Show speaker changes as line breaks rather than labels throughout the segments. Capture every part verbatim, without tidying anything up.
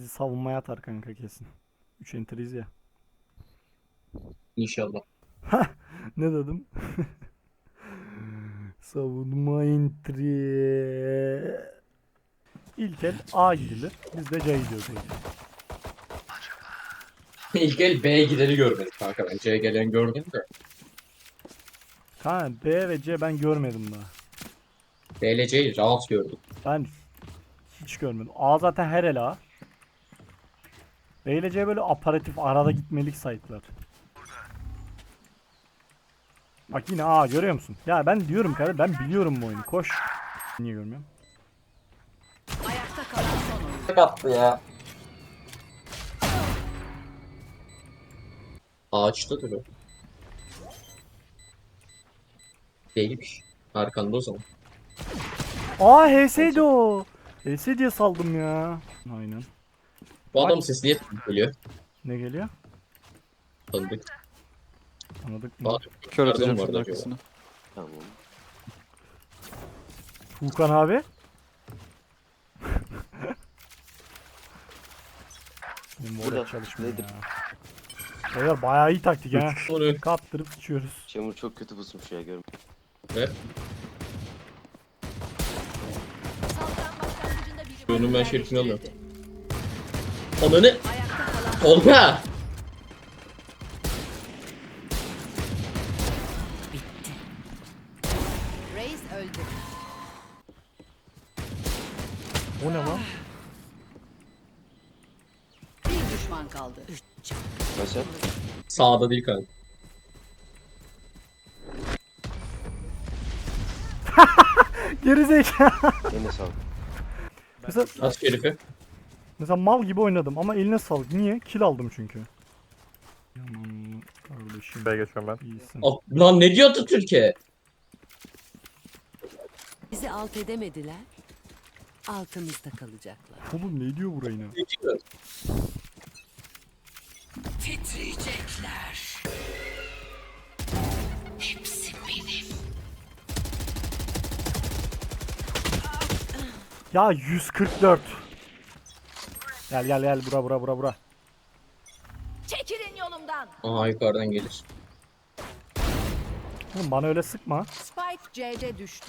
Bizi savunmaya atar kanka kesin. üç enteriz ya.
İnşallah.
Ne dedim? Savunma entry. İlk el A gidilir. Biz de C gidiyoruz.
İlk el B'ye gideni görmedik kanka. Ben C'ye gelen gördüm de.
Kanka B ve C ben görmedim daha.
B ile C'yi rahat gördüm.
Ben hiç görmedim. A zaten her el A. B ile C böyle aparatif arada gitmelik site'lar. Bak yine A görüyor musun? Ya ben diyorum kardeşim, ben biliyorum bu oyunu. Koş. Niye görmüyorum?
Ayakta kalan son oyun.
Ne yaptı ya? Ağaçta duruyor. Değilmiş. Arkanda o zaman.
Aa H S'ydi o. H S diye saldım ya. Aynen.
Bu adam sesi niye tanıdık geliyor?
Ne geliyor?
Tanıdık.
Anladık mı?
Bak,
Kör
nereden
atacağım
vardı
şunun
acaba?
arkasına.
Tamam.
Tuğkan abi. Benim
Burada,
orada çalışmıyor
nedir?
ya. Beyler bayağı iyi taktik ha.
Onu
Kaptırıp sıçıyoruz.
Çamur çok kötü pusmuş ya görüm.
ver.
Saldıran başlangıcında biri
Onun ben şerifini alıyorum.
yerleştirildi.
Ananı.
Ayakta kalan
Tolga.
Reis öldü.
O ne lan?
Bir düşman kaldı.
Nasıl?
Sağda değil kanka.
Gerizekalı.
Eline sağlık.
Mesela,
At şerifi.
mesela mal gibi oynadım ama eline sağlık. Niye? Kill aldım çünkü. Yaman kardeşim.
B geçiyorum ben.
İyisin.
At- Lan ne diyor Atatürk'e?
Bizi alt edemediler. Altımızda kalacaklar.
Oğlum ne diyor burayı ne?
Ne diyor?
Titriyecekler. Hepsi benim.
Ya yüz kırk dört. Gel gel gel bura bura bura bura.
Çekilin yolumdan.
Aa yukarıdan gelir.
Oğlum bana öyle sıkma.
Spike C'de düştü.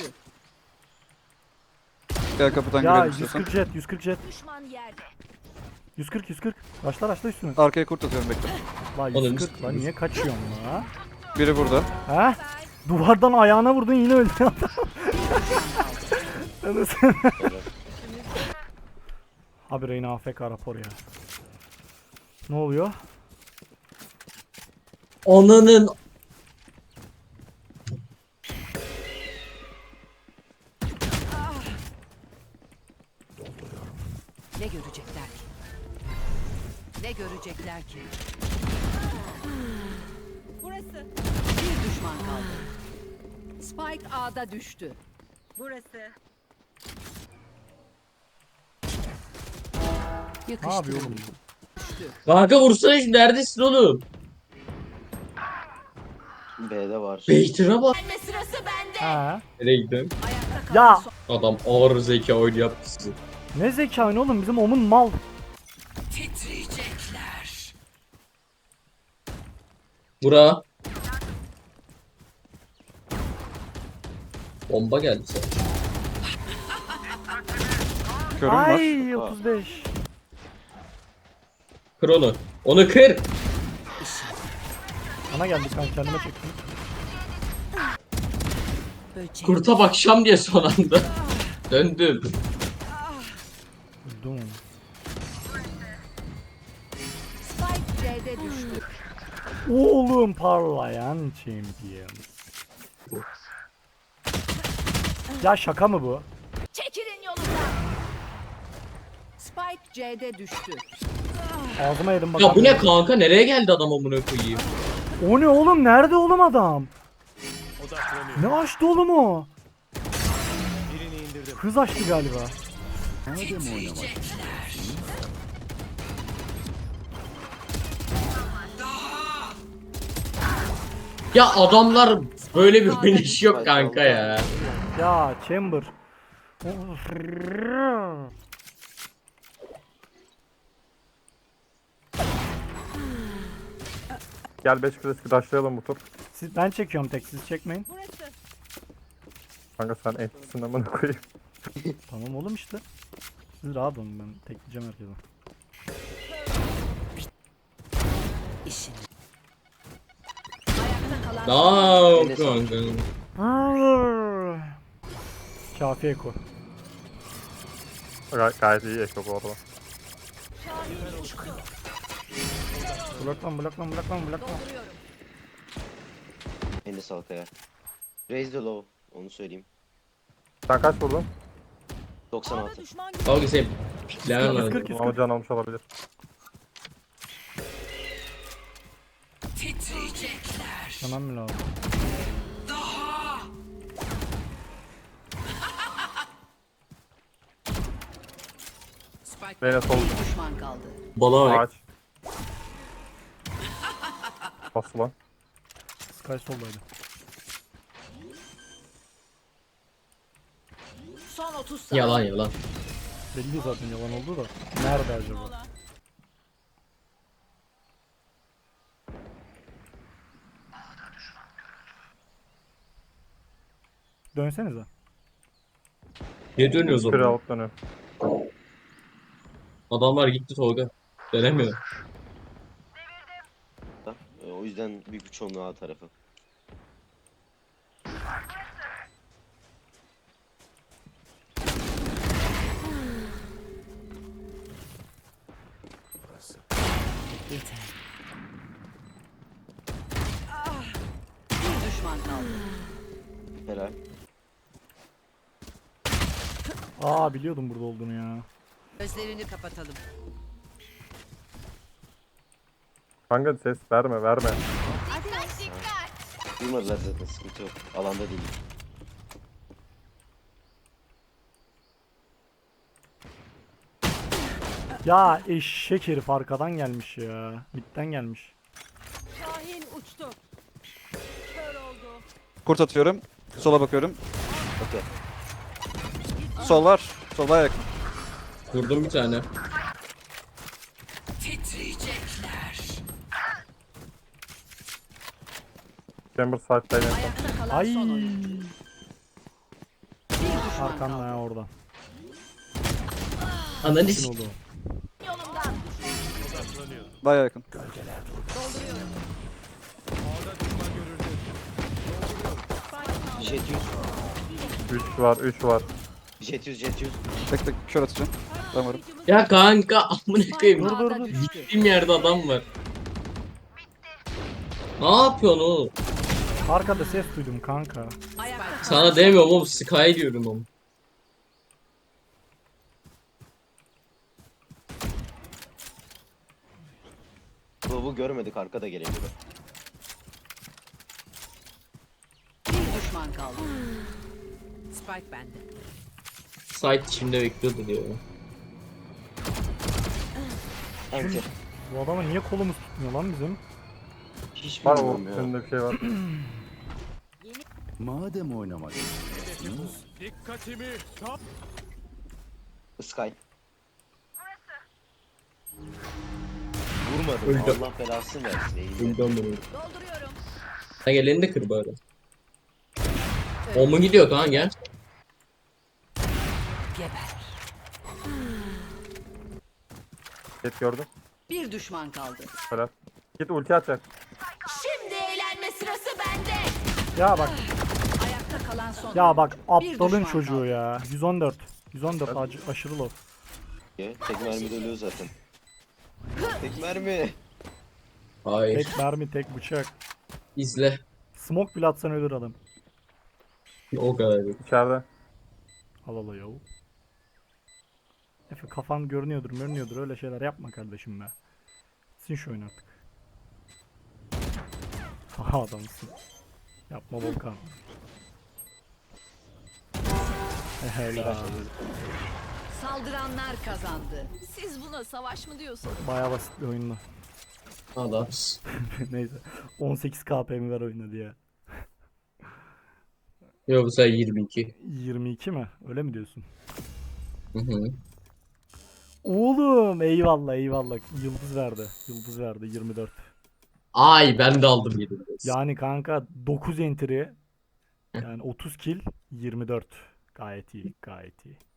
Gel kapıdan
Ya
girelim
yüz
istiyorsan.
kırk jet yüz kırk jet.
Düşman yerde.
yüz kırk yüz kırk. Başlar başla üstüne.
Arkaya kurt atıyorum bekle.
La
Oğlum,
yüz kırk lan niye kaçıyorsun la?
Biri burada.
Ha? Duvardan ayağına vurdun yine öldü adam. Anasını. Abi Reyna A F K rapor ya. Ne oluyor?
Ananın.
Ne görecekler ki? Ne görecekler ki? Burası. Bir düşman kaldı. Spike A'da düştü. Burası.
Ne yapıyor
Yakıştırıldı.
oğlum?
Düştü.
Kanka vursana şu neredesin oğlum?
B'de var.
Beytir'e bak.
Gelme sırası bende.
Ha?
Nereye gidiyorsun?
Ayakta kalan
Ya
son.
Adam ağır zeka oyunu yaptı sizi.
ne zeka oyunu oğlum bizim omun mal.
Titriyecekler.
Bura. Bomba geldi sana.
Körüm var.
Ay otuz beş.
Kır onu. Onu kır.
Bana geldi kan kendime çektim.
Böcek.
Kurta bakşam diye son anda. Döndüm.
Öldüm onu.
Spike C'de düştü.
Oğlum parlayan champion. Ya şaka mı bu?
Çekilin yolumdan. Spike C'de düştü.
Ağzıma yedim bak.
Ya bu ne kanka? Nereye geldi adam amına koyayım?
O ne oğlum? Nerede oğlum adam? Ne açtı oğlum o? Hız açtı galiba.
Ya adamlar böyle bir oynayış yok kanka ya.
Ya Chamber.
Gel beş klasik rushlayalım bu tur.
Siz, ben çekiyorum tek, siz çekmeyin.
Burası.
Kanka sen etsin amına koyayım.
Tamam oğlum işte. Siz rahat olun, ben tekleyeceğim herkese.
İşin. Ayakta kalan
Aa
Eline
kanka.
Kafi eko.
Gay gayet iyi Eko bu arada.
Bloklan bloklan bloklan bloklan.
dolduruyorum.
Eline sağlık ya. Raise the low. Onu söyleyeyim.
Sen kaç vurdun?
doksan altı.
Kanka sen piklemen
yüz
lazım.
kırk, yüz
Ama
kırk.
can almış olabilir.
Tamam mı lazım?
Beyne sol
Bir düşman kaldı.
Bala bak.
ağaç. Bas ulan.
Sky soldaydı.
Son otuz saniye.
Yalan yalan.
Belli zaten yalan oldu da. Nerede acaba? Dönsenize.
Ne dönüyoruz
Küre
orada?
alıp dönüyor.
Adamlar gitti Tolga. Dönemiyor.
Ee, O yüzden büyük bir çoğunluğu A tarafı.
Bir düşman kaldı.
Helal.
Aa biliyordum burada olduğunu ya.
Gözlerini kapatalım.
Kanka ses verme verme.
Duymadılar zaten, sıkıntı yok. Alanda değil.
Ya eşek herif arkadan gelmiş ya. Midden gelmiş.
Şahin uçtu. Kör oldu.
Kurt atıyorum. Sola bakıyorum.
Okey.
Sol var. Sol var yakın.
Vurdum bir tane.
Chamber side'dayım.
Ayakta kalan
Ay.
son oyuncu. Bir düşman
Arkanda
kaldı.
ya orada.
Ananı
Ne
s-
oldu?
Yolumdan.
Baya yakın.
Jet yüz.
üç var üç var.
Jet yüz, jet yüz.
Tek tek kör atacağım. Ben varım.
Ya kanka amına koyayım.
Dur, dur, dur.
Gittiğim yerde adam var. Ne yapıyorsun oğlum?
Arkada ses duydum kanka.
Ayakta kalan
Sana demiyorum oğlum, Sky diyorum oğlum.
Bu görmedik, arkada gelebilir.
bir düşman kaldı. Spike bende.
Site içimde bekliyordu diyor.
Enter.
Bu adama niye kolumuz tutmuyor lan bizim?
Hiç
Var o
bilmiyorum ya.
önünde bir şey var.
Madem oynamak istiyorsunuz,
Sky. Vurmadım.
Öldü.
Allah belasını versin. eğildi.
Öldüm bunu.
Dolduruyorum.
Ha gel elini de kır bari. O mu gidiyor kanka gel.
Geber.
Git gördüm.
Bir düşman kaldı.
Helal. Git ulti atacak.
Şimdi eğlenme sırası bende.
Ya bak,
Ayakta kalan son
ya bak
oyuncu. Bir
aptalın
düşman
çocuğu
kaldı.
ya. yüz on dört. yüz on dört acı, aşırı low.
Tek mermide ölüyor zaten. Tek mermi.
Hayır.
Tek mermi, tek bıçak.
İzle.
Smoke bile atsan ölür adam.
O kadar.
İçeride.
Al al yav. Efe kafan görünüyordur, görünüyordur, öyle şeyler yapma kardeşim be. Sin şu oyunu artık. Aha adamsın. Yapma Volkan. Helal.
Saldıranlar kazandı. Siz buna savaş mı diyorsunuz?
Bayağı basit bir oyundu.
Adamsın.
Neyse. on sekiz K P mi ver oynadı ya.
Yok bu sefer yirmi iki.
yirmi iki mi? Öyle mi diyorsun?
Hı hı.
Oğlum eyvallah eyvallah. Yıldız verdi. Yıldız verdi yirmi dört.
Ay ben de aldım yedim.
Yani kanka dokuz entry. Yani otuz kill, yirmi dört. Gayet iyi, gayet iyi.